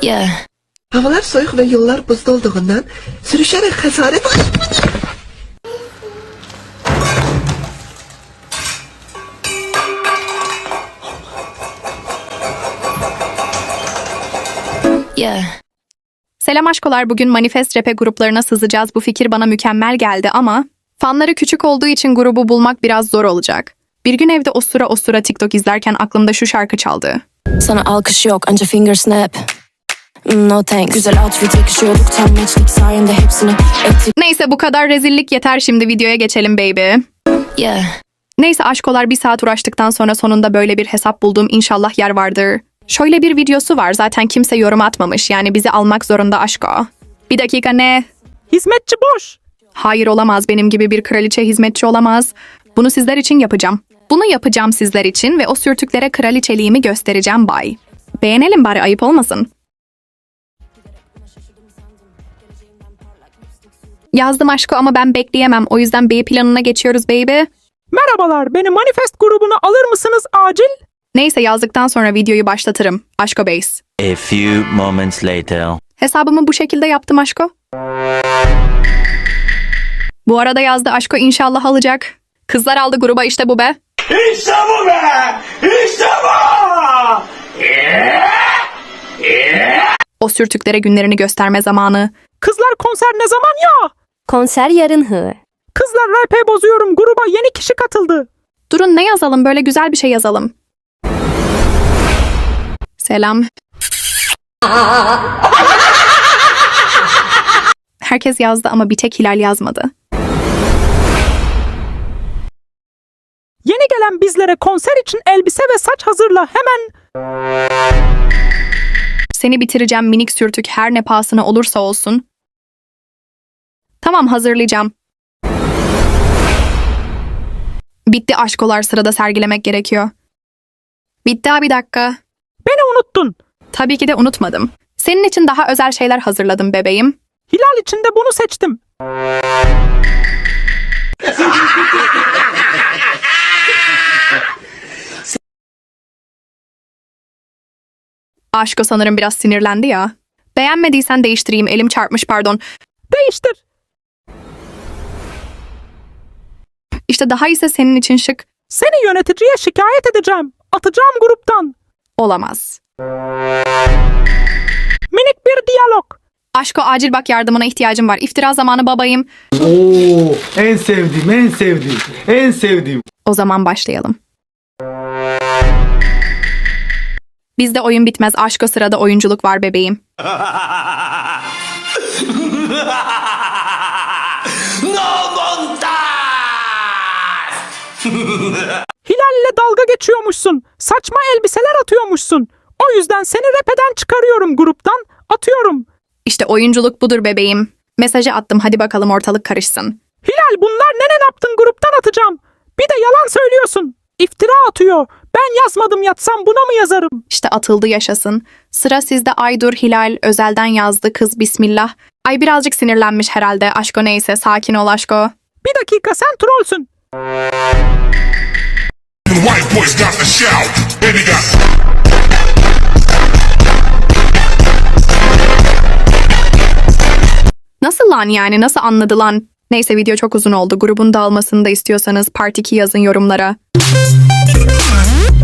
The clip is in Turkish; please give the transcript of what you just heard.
Yeah. Havalar soğuk ve yollar buzda olduğundan sürüşerek hasaret... Yeah. Selam aşkolar, bugün Manifest Rap'e gruplarına sızacağız. Bu fikir bana mükemmel geldi ama fanları küçük olduğu için grubu bulmak biraz zor olacak. Bir gün evde osura TikTok izlerken aklımda şu şarkı çaldı. Sana alkış yok anca finger snap. No thanks. Güzel outfit yakışıyorduk tam matchlik sayende hepsini ettik. Neyse bu kadar rezillik yeter, şimdi videoya geçelim baby. Yeah. Neyse aşkolar, bir saat uğraştıktan sonra sonunda böyle bir hesap buldum, inşallah yer vardır. Şöyle bir videosu var, zaten kimse yorum atmamış, yani bizi almak zorunda aşko. Bir dakika, ne? Hizmetçi boş. Hayır, olamaz, benim gibi bir kraliçe hizmetçi olamaz. Bunu sizler için yapacağım. Bunu yapacağım sizler için ve o sürtüklere kraliçeliğimi göstereceğim bay. Beğenelim bari, ayıp olmasın. Yazdım aşko ama ben bekleyemem, o yüzden B planına geçiyoruz baby. Merhabalar, beni Manifest grubuna alır mısınız acil? Neyse, yazdıktan sonra videoyu başlatırım. Aşko base. A few moments later. Hesabımı bu şekilde yaptım aşko. Bu arada yazdı aşko, inşallah alacak. Kızlar aldı gruba, işte bu be. İşte bu be! İşte bu! O sürtüklere günlerini gösterme zamanı. Kızlar konser ne zaman ya? Konser yarın hı. Kızlar rap'e bozuyorum, gruba yeni kişi katıldı. Durun, ne yazalım, böyle güzel bir şey yazalım. Selam. Herkes yazdı ama bir tek Hilal yazmadı. Yeni gelen bizlere konser için elbise ve saç hazırla hemen. Seni bitireceğim minik sürtük, her ne pahasına olursa olsun. Tamam, hazırlayacağım. Bitti aşkolar, sırada sergilemek gerekiyor. Bitti abi, bir dakika. Beni unuttun. Tabii ki de unutmadım. Senin için daha özel şeyler hazırladım bebeğim. Hilal için de bunu seçtim. Aşko sanırım biraz sinirlendi ya. Beğenmediysen değiştireyim, elim çarpmış, pardon. Değiştir. İşte daha ise senin için şık. Seni yöneticiye şikayet edeceğim. Atacağım gruptan. Olamaz. Minik bir diyalog. Aşko acil bak, yardımına ihtiyacım var. İftira zamanı babayım. Oo, en sevdiğim, en sevdiğim, en sevdiğim. O zaman başlayalım. Bizde oyun bitmez aşko, sırada oyunculuk var bebeğim. No montas! Hilal'le dalga geçiyormuşsun. Saçma elbiseler atıyormuşsun. O yüzden seni rap'eden çıkarıyorum gruptan. Atıyorum. İşte oyunculuk budur bebeğim. Mesajı attım, hadi bakalım ortalık karışsın. Hilal, bunlar ne yaptın, gruptan atacağım. Bir de yalan söylüyorsun. İftira atıyor. Ben yazmadım, yatsam buna mı yazarım? İşte atıldı, yaşasın. Sıra sizde Aydur. Hilal özelden yazdı, kız bismillah. Ay birazcık sinirlenmiş herhalde. Aşko neyse, sakin ol aşko. Bir dakika, sen trollsün. White boys got the shout, and he got. Nasıl lan yani, nasıl anladı lan? Neyse, video çok uzun oldu. Grubun dağılmasını da istiyorsanız Part 2 yazın yorumlara.